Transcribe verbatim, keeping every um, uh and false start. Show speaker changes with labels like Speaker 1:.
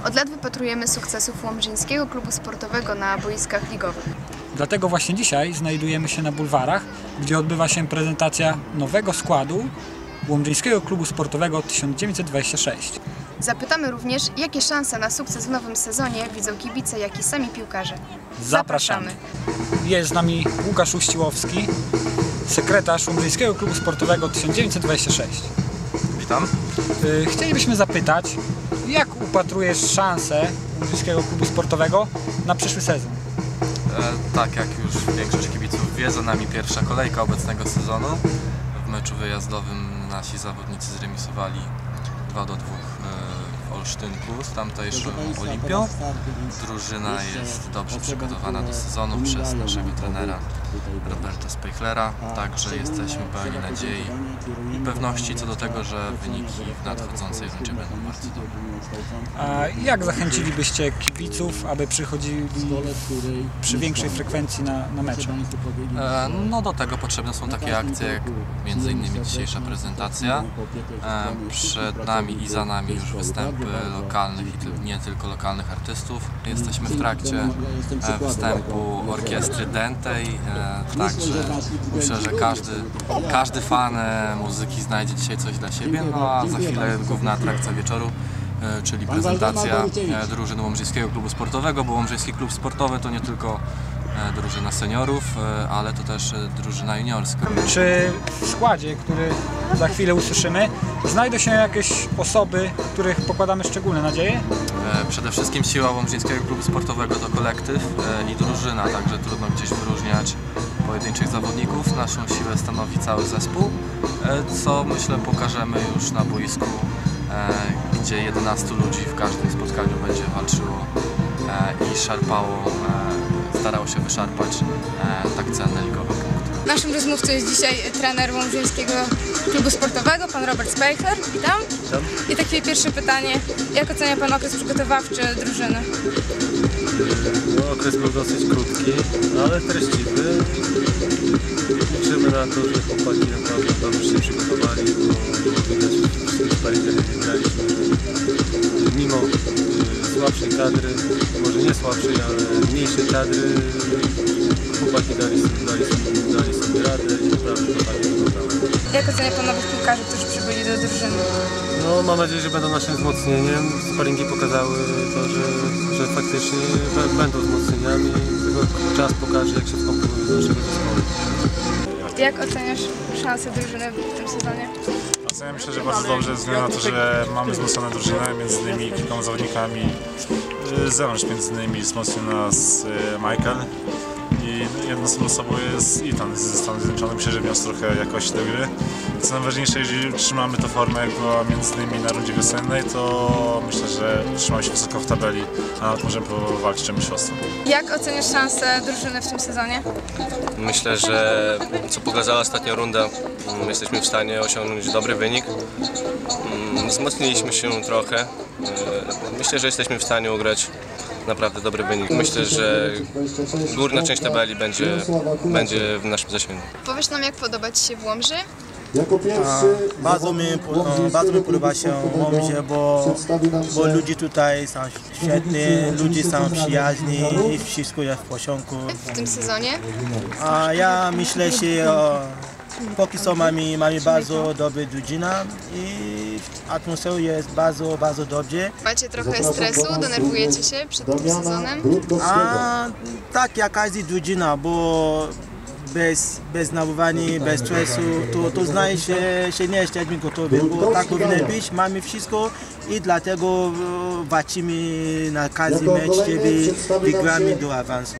Speaker 1: Od lat wypatrujemy sukcesów Łomżyńskiego Klubu Sportowego na boiskach ligowych.
Speaker 2: Dlatego właśnie dzisiaj znajdujemy się na bulwarach, gdzie odbywa się prezentacja nowego składu Łomżyńskiego Klubu Sportowego tysiąc dziewięćset dwadzieścia sześć.
Speaker 1: Zapytamy również, jakie szanse na sukces w nowym sezonie widzą kibice, jak i sami piłkarze.
Speaker 2: Zapraszamy! Jest z nami Łukasz Uściłowski, sekretarz Łomżyńskiego Klubu Sportowego tysiąc dziewięćset dwadzieścia sześć.
Speaker 3: Witam.
Speaker 2: Chcielibyśmy zapytać, jak upatrujesz szansę Łomżyńskiego Klubu Sportowego na przyszły sezon?
Speaker 3: E, tak jak już większość kibiców wie, za nami pierwsza kolejka obecnego sezonu. W meczu wyjazdowym nasi zawodnicy zremisowali dwa do dwóch w Olsztynku z tamtejszą Olimpią. Drużyna jest dobrze przygotowana do sezonu przez naszego trenera Roberta Spejchlera, także jesteśmy pełni nadziei i pewności co do tego, że wyniki w nadchodzącej rundzie będą bardzo dobre.
Speaker 2: A jak zachęcilibyście kibiców, aby przychodzili przy większej frekwencji na, na mecze?
Speaker 3: E, no do tego potrzebne są takie akcje jak między innymi dzisiejsza prezentacja. E, przed nami i za nami już występy lokalnych i nie tylko lokalnych artystów. Jesteśmy w trakcie e, występu orkiestry Dentej, e, także myślę, że każdy, każdy fan e, muzyki znajdzie dzisiaj coś dla siebie, no a za chwilę główna atrakcja wieczoru, e, czyli prezentacja e, drużyny Łomżyńskiego Klubu Sportowego, bo Łomżyński Klub Sportowy to nie tylko e, drużyna seniorów, e, ale to też e, drużyna juniorska.
Speaker 2: Czy w składzie, który za chwilę usłyszymy, znajdą się jakieś osoby, których pokładamy szczególne nadzieje?
Speaker 3: Przede wszystkim siła Łomżyńskiego Klubu Sportowego to kolektyw i drużyna, także trudno gdzieś wyróżniać pojedynczych zawodników. Naszą siłę stanowi cały zespół, co myślę pokażemy już na boisku, gdzie jedenastu ludzi w każdym spotkaniu będzie walczyło i szarpało, starało się wyszarpać tak cenne ligowe punkty.
Speaker 4: Naszym rozmówcą jest dzisiaj trener Łomżyńskiego Klubu Sportowego, pan Robert Spejchler. Witam.
Speaker 3: Witam.
Speaker 4: I takie pierwsze pytanie, jak ocenia pan okres przygotowawczy drużyny?
Speaker 5: No, okres był dosyć krótki, ale treściwy. Liczymy na to, że chłopaki naprawdę dobrze się przygotowali, bo było widać w wszystkich sparingach, jak graliśmy, że mimo y, słabszej kadry, może nie słabszej, ale mniejszej kadry, chłopaki dali, dali, dali sobie radę i naprawdę to fajnie wyglądało.
Speaker 4: Jak ocenia pan nowych piłkarzy, którzy przybyli do drużyny?
Speaker 5: No, mam nadzieję, że będą naszym wzmocnieniem. Sparingi pokazały to, że, że faktycznie będą wzmocnieniami. Tylko czas pokaże, jak się wkomponują do naszego zespołu.
Speaker 4: Jak oceniasz szanse drużyny w tym sezonie?
Speaker 6: Ja myślę, że bardzo dobrze, ze względu na to, że mamy wzmocnioną drużynę, między innymi kilkoma zawodnikami z zewnątrz, między innymi wzmocnił nas Michael i jedną z osobą jest Ethan ze Stanów Zjednoczonych. Myślę, że wniósł trochę jakości do gry. Co najważniejsze, jeżeli trzymamy tę formę, jak była między innymi na rundzie wiosennej, to myślę, że trzymamy się wysoko w tabeli, a nawet możemy powalczyć o mistrzostwo.
Speaker 4: Jak oceniasz szanse drużyny w tym sezonie?
Speaker 7: Myślę, że co pokazała ostatnia runda, jesteśmy w stanie osiągnąć dobry wynik. Wzmocniliśmy się trochę. Myślę, że jesteśmy w stanie ugrać naprawdę dobry wynik. Myślę, że górna część tabeli będzie, będzie w naszym zasięgu.
Speaker 1: Powiesz nam, jak podoba Ci się w Łomży?
Speaker 8: A, bardzo, mi, bardzo mi podoba się Łomży, bo, bo ludzie tutaj są świetni, ludzie są przyjaźni i wszystko jest w porządku.
Speaker 1: W tym sezonie?
Speaker 8: A ja myślę, że o, póki co mamy, mamy bardzo dobrą drużynę i atmosfera jest bardzo, bardzo dobrze.
Speaker 1: Macie trochę stresu? Denerwujecie się przed tym sezonem?
Speaker 8: A, tak jak każda drużyna, bo bez, bez nawoływania, bez stresu, to, to znaczy, że, że nie jesteśmy gotowi, bo tak powinno być, mamy wszystko i dlatego walczymy na każdy mecz, żeby wygramy do awansu.